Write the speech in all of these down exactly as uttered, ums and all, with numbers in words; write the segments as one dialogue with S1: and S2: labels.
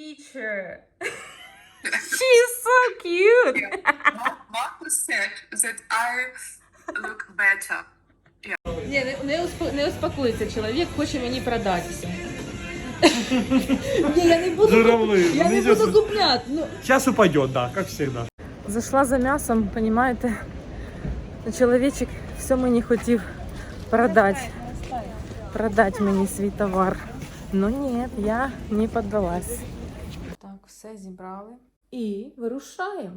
S1: teacher. She's so cute.
S2: Marcus said that I look better.
S1: Ні, не, не, успо, не успокоїться чоловік, хоче мені продатися. Ні, я не буду,
S3: Журавли.
S1: я не буду купляти. Ну.
S3: Сейчас упадет, да, как всегда.
S1: Зайшла за м'ясом, розумієте? Чоловічок все мені хотів продати. Продати мені свій товар. Ну ні, я не піддалась. Так, все зібрали. І вирушаємо.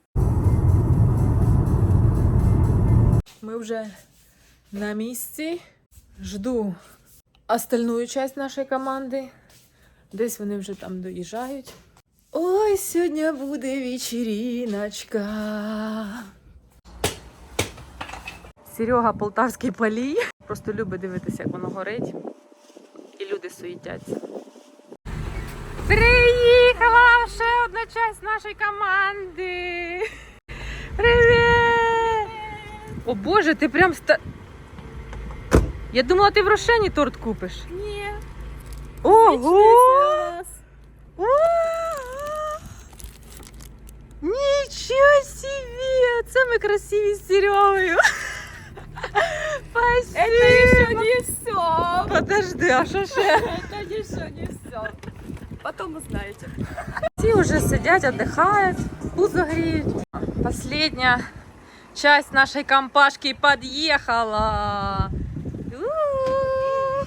S1: Ми вже на місці. Жду остальну часть нашої команди. Десь вони вже там доїжджають. Ой, сьогодні буде вечериночка. Серега Полтавський палій. Просто любить дивитися, як воно горить. І люди суетяться. Приїхала ще одна часть нашої команди. Привіт! О Боже, ти прям ста... Я думала, ти в Рошені торт купиш.
S4: Ні.
S1: Ого! Нічого собі! Це ми красиві з Серегою. Спасибо!
S4: Это еще не все.
S1: Подожди, а що ще?
S4: Это еще не все. Потом узнаете.
S1: Всі вже сидять, віддихають, пузо гріють. Последня часть нашої компашки під'їхала. У-у-у!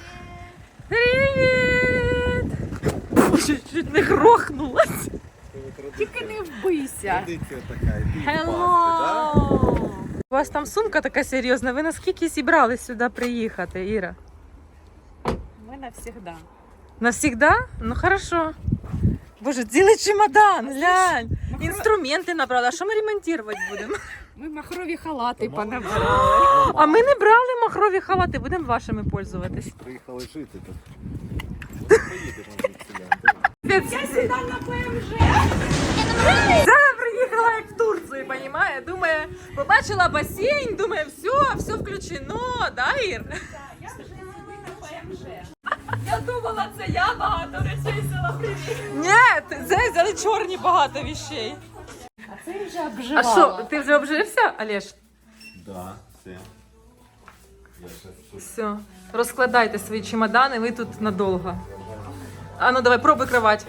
S1: Привіт! Ой, чуть не грохнулась.
S4: Тільки не вбийся.
S5: Традиція така, іди
S1: Hello! У вас там сумка така серйозна. Ви наскільки зібрались сюди приїхати, Іра?
S4: Ми навсегда.
S1: Навсегда? Ну хорошо. Боже, цілий чемодан, глянь. Інструменти набрали. А що ми ремонтувати будемо?
S4: Ми махрові халати понабирали.
S1: А ми не брали махрові халати, будемо вашими пользуватись.
S5: Приїхали жити тут. Поїдемо звідси.
S1: Я сюди на ПМЖ. Зараз приїхала як в Турцію, розуміє? Думає, побачила басейн, думає, все, все включено, да, Ір?
S4: Я вже сюди на ПМЖ. Я думала, це я багато речей взяла привіт.
S1: Ні, це взяли чорні багато вещей.
S4: А це вже
S1: А
S4: обживала.
S1: що, ти вже обжився, Олеж?
S5: Да, все. Я щас тут.
S1: Все, розкладайте свої чемодани, ви тут надовго. А ну давай, пробуй кровать.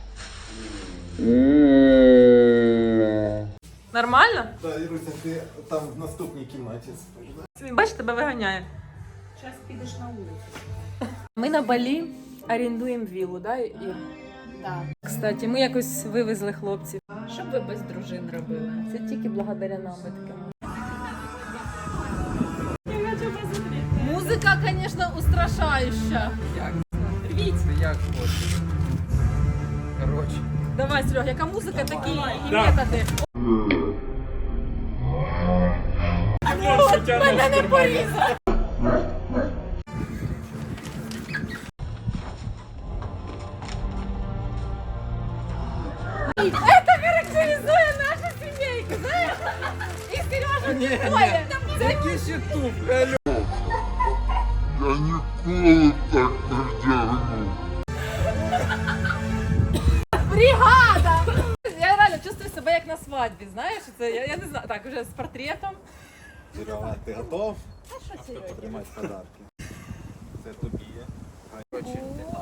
S1: Нормально?
S5: Да, Іруся, ти там в наступній кімнаті спиш, да?
S1: Він, бачиш, тебе виганяє.
S4: Зараз підеш на вулицю.
S1: Ми на Балі орендуємо віллу, да, Ір?
S4: Так.
S1: Кстати, ми якось вивезли хлопців.
S4: Що б ви без дружин робили?
S1: Це тільки благодаря нам ми таке можемо. Музика, звісно, устрашаюча.
S6: Як?
S1: Рвіть.
S6: Це як хочеш. Коротше.
S1: Давай, Серега, яка музика, такі і
S3: Да.
S1: методи. От мене не порізав. Это характеризує нашу сімейку, знаєш? І Сережа
S6: Ні,
S1: тим более.
S6: ні. Який ще туп, алло.
S7: Я ніколи так не вдягну.
S1: Бригада! Я реально чувствую себе як на свадьбі, знаєш? Це, я, я не знаю, так, вже з портретом.
S5: Серега, ти готов? Потримати подарки. Це тобі. Коротше,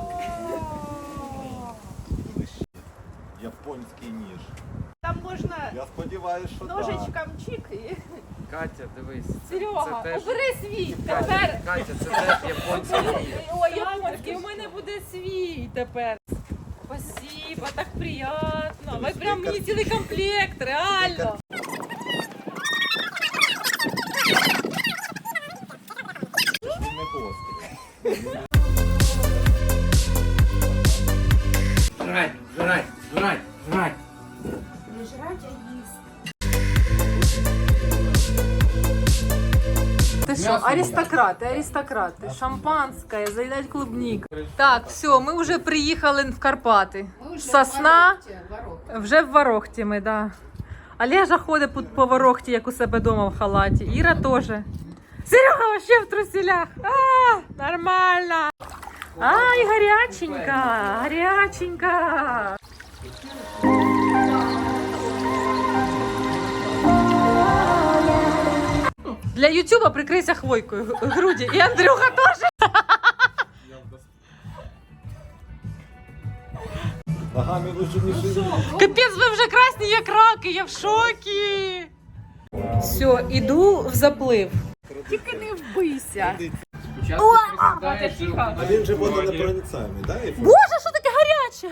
S5: японський ніж.
S4: Там можна
S5: Я сподіваюся, що так.
S4: ножичком чик і...
S6: Катя, дивись. це-
S1: Серега,
S6: це теж...
S1: убери свій
S6: Катя,
S1: тепер.
S6: Катя, це теж японський ніж.
S1: Ой, японський, у мене буде свій тепер. Спасибо, так приємно. Ви прям мені цілий комплект, реально.
S5: Це ж не гострий.
S6: Жрать, жрать, жрать, жрать.
S4: Не жрать, а їсти.
S1: Ти що, аристократи, аристократи, шампанське, заїдать клубник. Так, все, ми вже приїхали в Карпати. Сосна, вже в Ворохті ми, да. Олежа ходить по, по Ворохті, як у себе вдома в халаті. Іра теж. Серега вообще в труселях. А, нормально. Ай, гаряченька, гаряченька. Для Ютуба прикрийся хвойкою груді. І Андрюха теж.
S5: Ногами лучше не шевелить.
S1: Капець, ви вже красні, як раки, я в шокі. Все, іду в заплив.
S4: Тільки не вбийся.
S6: Спочатку присідаєш,
S4: тихо.
S5: А він же водонепроницаємий, да? Ефір?
S1: Боже, що таке гаряче?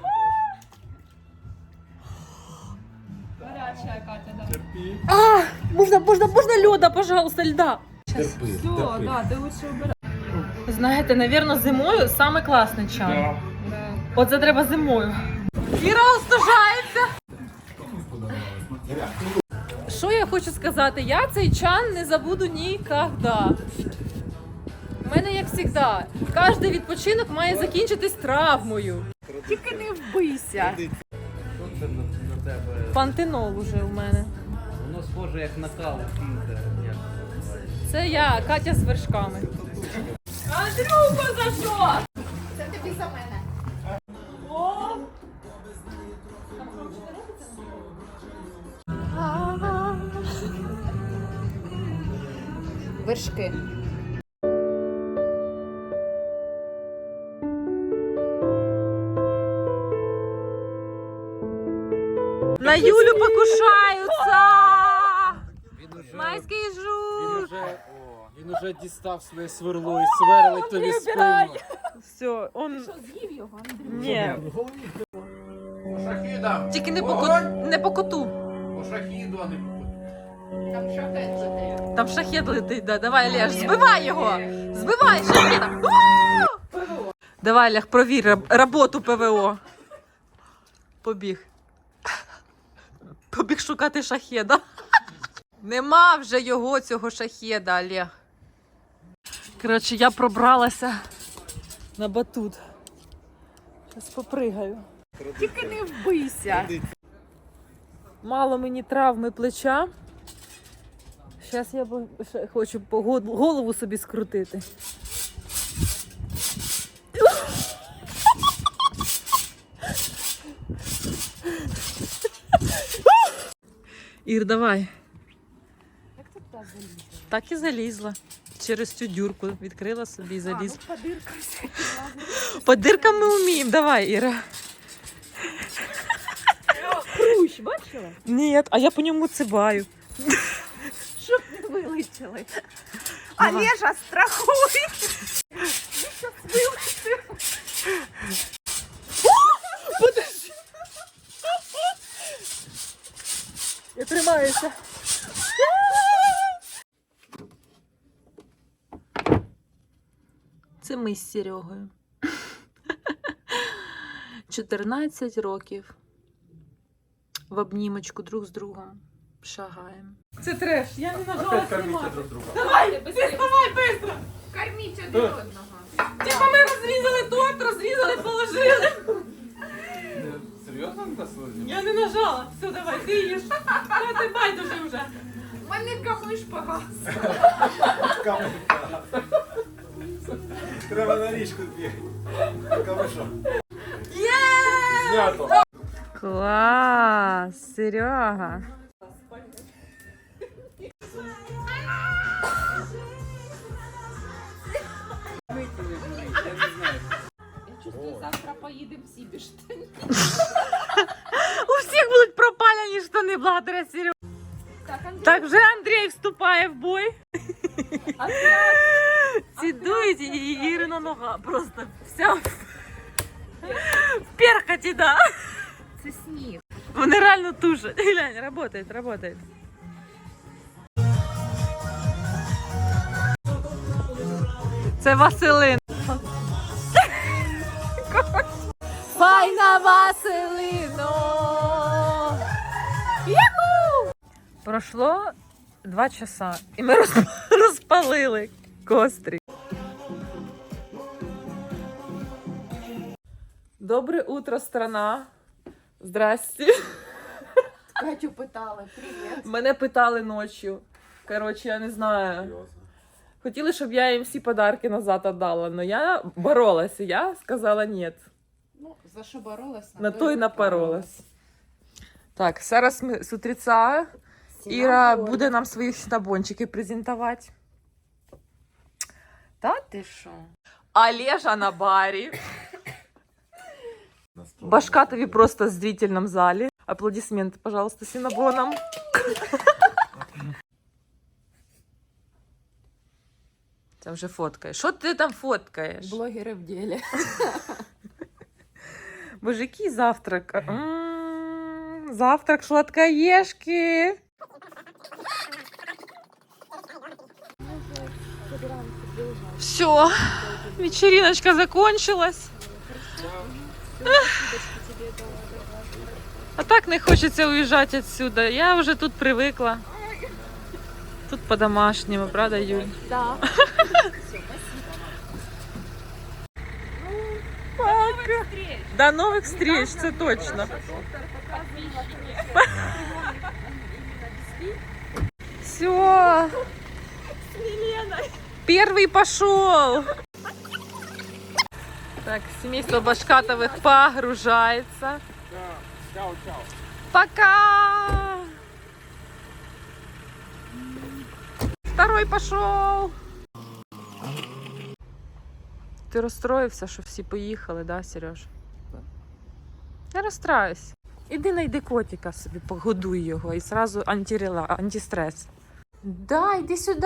S4: Гаряча Катя, да.
S1: А, можна, можна, можна льода, пожалуйста, льда.
S5: Терпи,
S4: Все,
S5: терпи.
S4: да, ти лучше обирай.
S1: Знаєте, напевно, зимою саме класний чай. От це треба зимою. Іра остужається. Що я хочу сказати? Я цей чан не забуду ніколи. У мене, як завжди, кожен відпочинок має закінчитись травмою.
S4: Тільки не вбийся.
S6: Що це на, на тебе?
S1: Пантенол уже у мене.
S6: Воно схоже як на каву, фінка. Як це називається?
S1: Це я, Катя з вершками.
S4: Андрюха, за що?
S1: Вершки. На Юлю покушаються!
S6: Він уже,
S1: Майський
S6: він
S1: жук!
S6: уже, о, він уже дістав своє сверло і сверлить тобі спину.
S1: Все, он...
S4: Що, з'їв його, Андрій?
S1: Ні,
S6: Шахіда!
S1: тільки не по, ко- не по коту.
S6: По шахіду, а не по
S4: Там шахет летить.
S1: Там шахет летить, да. Давай, Олеж, збивай його! Збивай шахетом! У! Давай, Олег, провір роб- роботу ПВО. Побіг. Побіг шукати шахеда. Нема вже його, цього шахеда, Олег. Коротше, я пробралася на батут. Зараз попригаю.
S4: Тільки не вбийся.
S1: Мало мені травми плеча. Зараз я бо- ще хочу по го- голову собі скрутити. Ір, давай.
S4: Як ти туди залізла?
S1: Так і залізла. Через цю дюрку відкрила собі і
S4: А,
S1: залізла.
S4: ну по диркам всякі лазить.
S1: По диркам ми вміємо. Давай, Іра.
S4: Хрущ, бачила?
S1: Ні, а я по ньому цибаю.
S4: Щоб не вилетіли. Олежа, страхуй! Ну, щас вилетів.
S1: Подожди. Я тримаюся. Це ми з Серегою. чотирнадцять років. В обнімочку друг з другом шагаємо. Це треш, я не нажала знімати.
S3: друг друга.
S1: Давай, давай, быстро!
S4: Корміть один одного.
S1: Типа ми розрізали торт, розрізали, положили.
S6: Серйозно на сьогодні?
S1: Я не нажала. Все, давай, ти їж. Та ти байдуже вже.
S4: У мене камиш погас.
S5: Каменька. Треба на річку бігати. Камиша.
S3: Знято.
S1: Клас, Серега.
S4: Я чувствую, завтра поїдемо всі без штанів.
S1: У всіх будуть пропалені штани благодаря Серегу.
S4: Так, Андрій,
S1: Так вже Андрій вступає в бой. Цідують і Ірина нога просто вся в перхоті, да.
S4: це сніг.
S1: Вони реально тушать. Глянь, работает, работает. Це Василин. Файна Василино! Яху! Пройшло два часа, і ми роз- розпалили кострі. Добре утро, страна. Здрасте.
S4: Катю питали, привіт.
S1: Мене питали ночі. Коротше, я не знаю. Хотіли, щоб я їм всі подарки назад віддала, але я боролася. Я сказала ні.
S4: Ну, за що боролась?
S1: На то й напоролась. Так, зараз ми з утреца Іра буде нам свої синабончики презентувати. Та ти що? Олежа на барі. Башка тобі просто в зрительном залі. Аплодисменти, пожалуйста, синабоном. Це вже фоткаєш. Що ти там фоткаєш?
S4: Блогери в ділі.
S1: Боже, який завтрак? М-м, завтрак сладкоежки. Все, вечериночка закончилась. А так не хочеться уїжджати отсюда. Я вже тут привикла. Тут по-домашнему, правда, Юль?
S4: Да.
S1: Пока. До новых встреч, це точно. Все. Первый пошел. Так, семейство Башкатовых погружается. Пока. Второй пошел. Ти розстроївся, що всі поїхали, да, Сереж? Не розстраюсь. Іди найди котика собі, погодуй його і зразу антирела, антистрес. Да, йди сюди.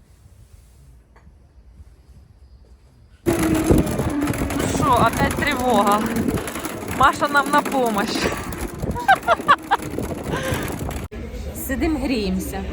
S1: Ну що, опять тривога. Маша нам на помощь. Сидим, гріємося.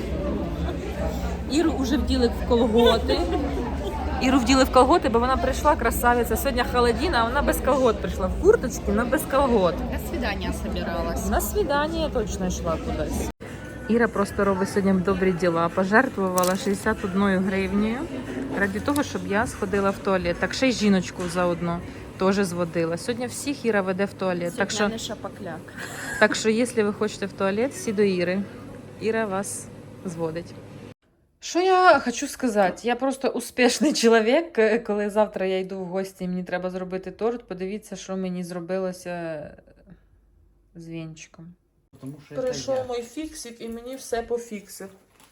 S1: Іру вже вділи в колготи. Іру вділи в колготи, бо вона прийшла, красавиця. Сьогодні холодина, а вона без колгот прийшла. В курточці, але без колгот.
S4: На свидання собиралась.
S1: На свидання точно йшла кудись. Іра просто робить сьогодні добрі діла. Пожертвувала шістдесят одною гривнею ради того, щоб я сходила в туалет. Так ще й жіночку заодно теж зводила. Сьогодні всіх Іра веде в туалет. Так що,
S4: не шапокляк.
S1: так що, якщо ви хочете в туалет, всі до Іри. Іра вас зводить. Що я хочу сказати? Я просто успішний чоловік. Коли завтра я йду в гості і мені треба зробити торт, подивіться, що мені зробилося з вінчиком.
S6: Тому що
S1: Прийшов мій фіксик і мені все пофіксив.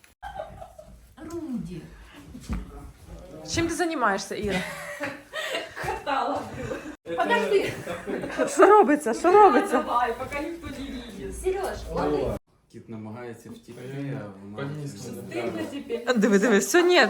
S4: Руді.
S1: Чим ти займаєшся, Іра?
S4: Катала. Подожди.
S1: Що робиться? Що робиться?
S4: Давай, поки ніхто не видит. Сереж, ладно.
S6: Кіт намагається втікти, а вона...
S4: Стыдно теперь.
S1: Диви, диви, все, ні.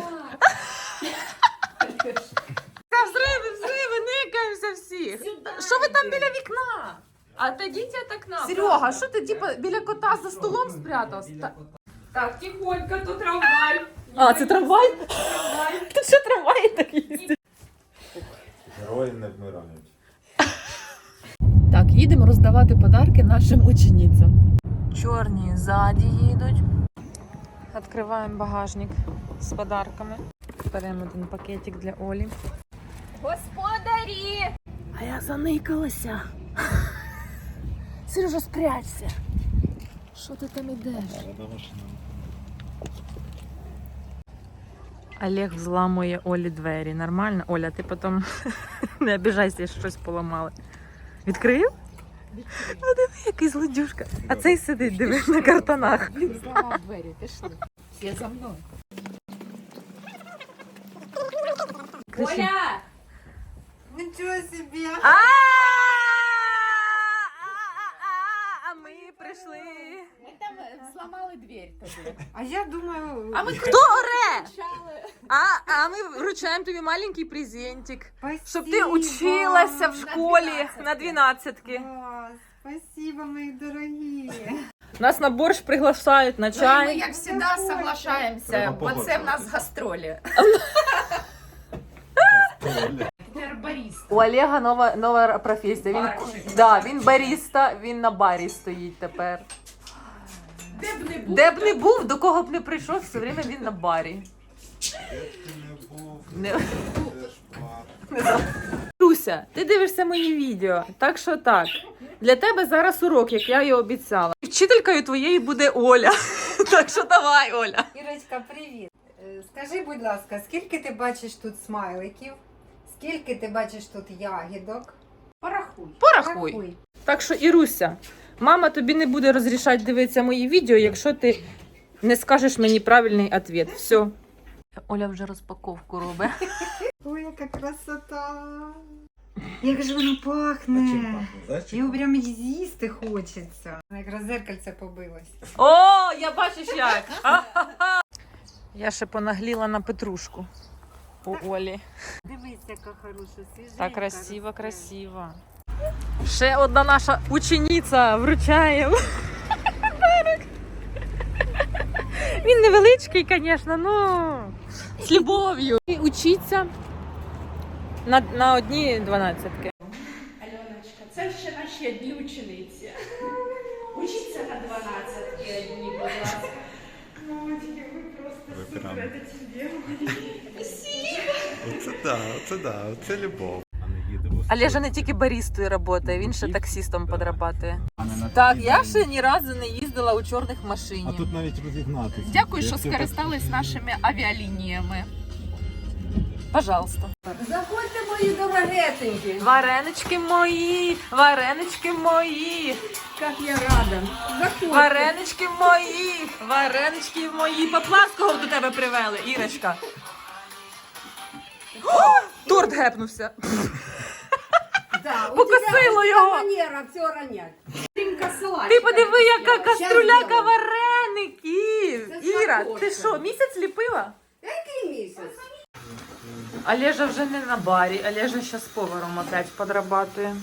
S1: Та взриви, взриви, никаємося всі. Що ви там біля вікна?
S4: Отойдите от окна.
S1: Серега, що ти типу, біля кота за столом спрятався? Та-
S4: Так, тихонько, тут трамвай.
S1: А, це трамвай?
S4: Трамвай.
S1: Тут що трамваї так їздять?
S5: Герої не вмирають.
S1: Так, їдемо роздавати подарки нашим ученицям. Чорні ззаді їдуть. Відкриваємо багажник з подарками. Беремо один пакетик для Олі.
S4: Господарі!
S1: А я заникалася. Сережа, спрячься. Що ти там ідеш? Олег взламує Олі двері. Нормально? Оля, ти потім не обіжайся, якщо щось поламали. Відкрив? Ну диви, який злодюшка. А цей сидить, диви, на картонах.
S4: Він зламав двері, пішли. Всі за мною.
S1: Кричи.
S4: Оля!
S8: Ничего себе!
S1: А А ми прийшли.
S4: Ми там зламали двері тобі.
S8: А я думаю,
S4: А ми
S1: Хто оре?
S4: кричали.
S1: А, а ми вручаємо тобі маленький презентик.
S8: спасибо.
S1: Щоб ти училася в школі на дванадцятки.
S8: Класс. Спасибо, мои дорогие.
S1: Нас на борщ приглашають, на
S4: Ну, і ми,
S1: чай.
S4: як завжди, соглашаємося, бо це в нас гастролі. Тепер баріста.
S1: У Олега нова, нова професія. Він,
S4: Барщик.
S1: да, він баріста, він на барі стоїть тепер.
S4: Де б не був.
S1: Де б не був, до кого б не прийшов, все время він на барі.
S5: Не був,
S1: Не...
S5: теж бар.
S1: Руся, ти дивишся мої відео, так що так. Для тебе зараз урок, як я і обіцяла. Вчителькою твоєю буде Оля. Так що давай, Оля.
S8: Ірочка, привіт. Е, Скажи, будь ласка, скільки ти бачиш тут смайликів? Скільки ти бачиш тут ягідок?
S4: Порахуй.
S1: Порахуй. Так що, Іруся, Мама тобі не буде розрішати дивитися мої відео, якщо ти не скажеш мені правильний відповідь. Все. Оля вже розпаковку робить.
S8: Ой, яка красота. Як же воно пахне. Його прям і з'їсти хочеться. Якраз зеркальце побилось.
S1: О, я бачиш як. Я ще понагліла на петрушку у Олі.
S8: Дивись, яка хороша, свіженька.
S1: Так красиво, красиво. Ще одна наша учениця вручає. Подарок. Він невеличкий, звісно, ну з любов'ю. І учиться на, на одні дванадцятки.
S4: Альоночка, це ще наші одні учениці. Учіться на дванадцятки одні, будь ласка. Мамочки, ви просто супер, це тебе.
S5: Оце да, оце да, оце любов.
S1: Олежа не тільки барістою працює, він ще таксістом подрабатує. Так, я ще ні разу не їздила у чорних машині.
S5: А тут навіть розігнатися.
S4: Дякую, що скористались нашими авіалініями.
S1: Пожалуйста.
S8: Заходьте, мої дорогесенькі.
S1: Варенички мої, варенички мої,
S8: Як я рада. Заходьте.
S1: варенички мої, варенички мої. Поплавського до тебе привели, Ірочка. О, торт гепнувся.
S8: Да, у
S1: Покосило
S8: тебе
S1: його.
S8: манера все ронять.
S1: Ти подиви, яка каструляка вареників.
S8: Це
S1: Іра,
S8: смакота.
S1: ти що, місяць ліпила?
S8: Який місяць?
S1: Олежа вже не на барі, Олежа ще з поваром опять подрабатує.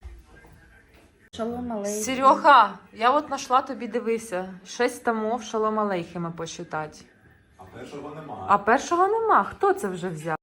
S4: Шалом алейкум.
S1: Серега, я от знайшла тобі, дивися, шість томов шалом алейхима почитати.
S5: А першого нема.
S1: А першого нема. Хто це вже взяв?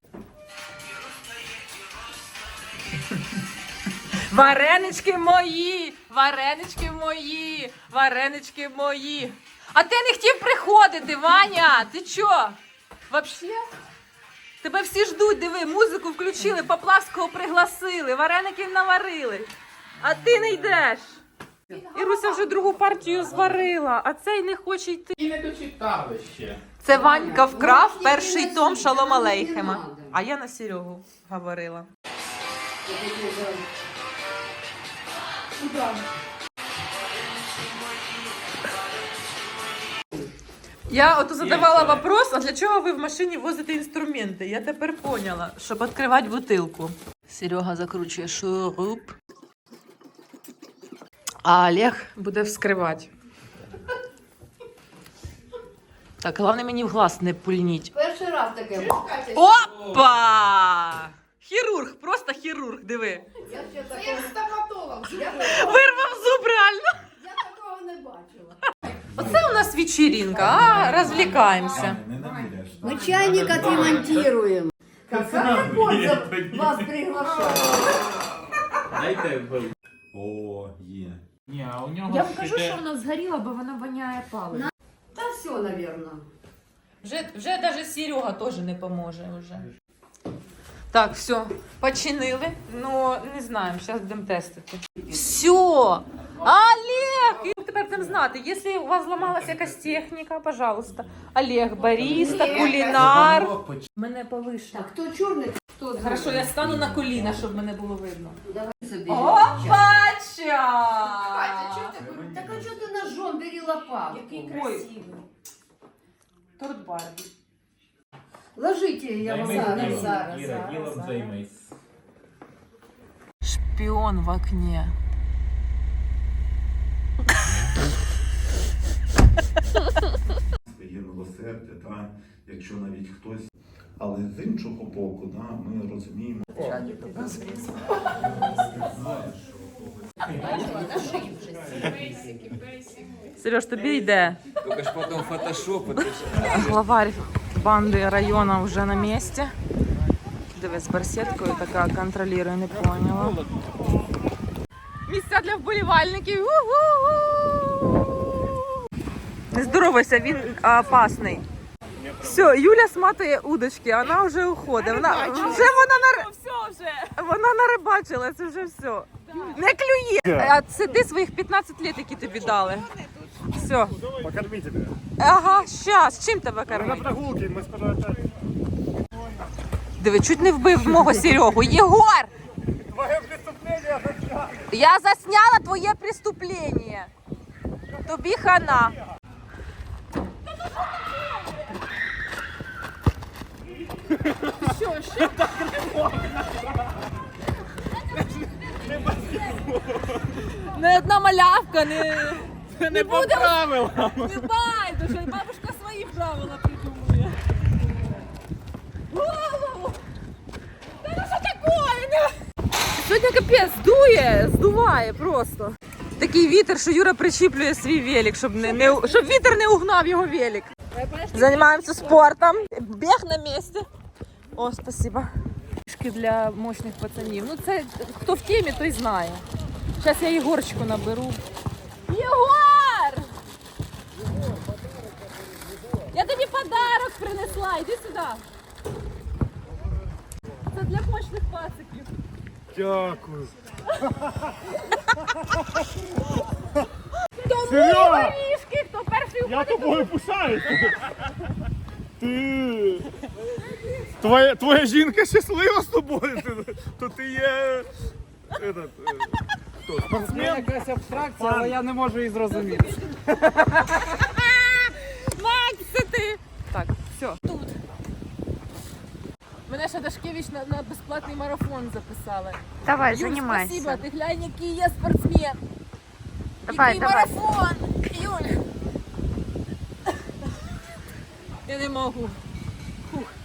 S1: Варенички мої, варенички мої, варенички мої. А ти не хотів приходити, Ваня? Ти чо? Вообще? Тебе всі ждуть, диви, музику включили, Поплавського пригласили, вареників наварили. А ти не йдеш. Іруся вже другу партію зварила, а цей не хоче йти.
S6: І не дочитали ще.
S1: Це Ванька вкрав перший том Шалом Алейхема. А я на Серегу говорила. Я от задавала вопрос, а для чого ви в машині возите інструменти? Я тепер поняла, щоб відкривати бутилку. Серега закручує шуруп, а Олег буде вскривати. Так, головне мені в глаз не пульніть.
S8: Перший раз таке.
S1: Опа! Хірург, просто хірург, диви.
S8: Я ще такого,
S4: Стоматолог.
S8: я,
S1: Вирвав зуб реально.
S8: я такого не бачила.
S1: Оце у нас вечеринка, а розвлікаємося.
S5: Не наміряєш.
S8: Мы чайник отремонтируем. Какая польза вас приглашать?
S6: Дайте был.
S5: О, є.
S6: Ні, а у нього
S4: Я вам кажу,
S6: іде-
S4: що вона згоріла, бо вона воняє паливом.
S8: Да все, наверное.
S1: Вже, вже навіть Серега теж не поможе. Вже. Так, все, починили. Ну, не знаємо, зараз будемо тестити. Все! Олег! І тепер будемо знати, якщо у вас зламалася якась техніка, пожалуйста. Олег, бариста, кулінар. Мене повише.
S8: Так, кто черный, кто
S1: Хорошо, я стану на коліна, щоб мене було видно.
S8: Давай собери.
S1: Опача!
S8: Так а что ты ножом, бери лопатку?
S4: Який
S1: Ой.
S4: красивий.
S1: Торт Барбі.
S8: Ложите, я вам
S6: Займись
S8: зараз,
S6: ділом,
S8: зараз,
S6: Іра,
S8: зараз,
S6: ділом
S8: зараз.
S6: займись.
S1: Шпіон в окне.
S5: Є милосердя, та, якщо навіть хтось. Але з іншого боку, да, ми розуміємо.
S1: Сереж, тобі йде.
S6: Тільки ж потім фотошопи.
S1: Главарь банди району вже на місці. Дивись, з барсеткою така контролює, не поняла. Місця для вболівальників. У-ху-ху! Не здоровайся, він опасний. Все, Юля сматує удочки, вона вже уходить. Вона, вже вона, нар... вона нарибачила, це вже все. Не клює. А це ти своїх п'ятнадцять років, які тобі дали. Все.
S3: Покормите меня.
S1: Ага, щас. Чим тебе
S3: На
S1: кормити?
S3: прогулке мы скоро опять.
S1: Диви, чуть не вбив мого Серегу. Єгор!
S3: Твое преступление.
S1: Я засняла твоє преступлення. Тобі хана. Що, що? Не одна малявка, не...
S6: Не по правилам.
S1: Не байдуже, бабушка свої правила придумує. Голову! Та ну що таке? Сьогодні капець, дує, здуває просто. Такий вітер, що Юра причіплює свій велик, щоб, не, не, щоб вітер не угнав його велик. Займаємося спортом. Біг на місці. О, спасибо. Фішки для мощних пацанів. Ну це, хто в темі, той знає. Зараз я Єгорчику наберу. Єгор! Я тобі подарок принесла, іди сюди. Це для мощних пациків.
S3: Дякую.
S1: Тому
S3: Серйозно?
S1: горішки, хто перший
S3: Я
S1: уходить.
S3: тобою пишаюсь. Ти... Твоя, твоя жінка щаслива з тобою, ти, то ти є... Этот, е, хто,
S6: Це
S3: спортсмен?
S6: якась абстракція, але я не можу її зрозуміти.
S1: Макс, це ти. Так, все. Тут. Мене ще Дашкевич на, на безплатний марафон записали.
S8: Давай,
S1: Юль,
S8: занимайся.
S1: спасибо, ти глянь, який є спортсмен.
S8: Давай,
S1: який
S8: давай.
S1: марафон. Юль. Я не можу. Фух.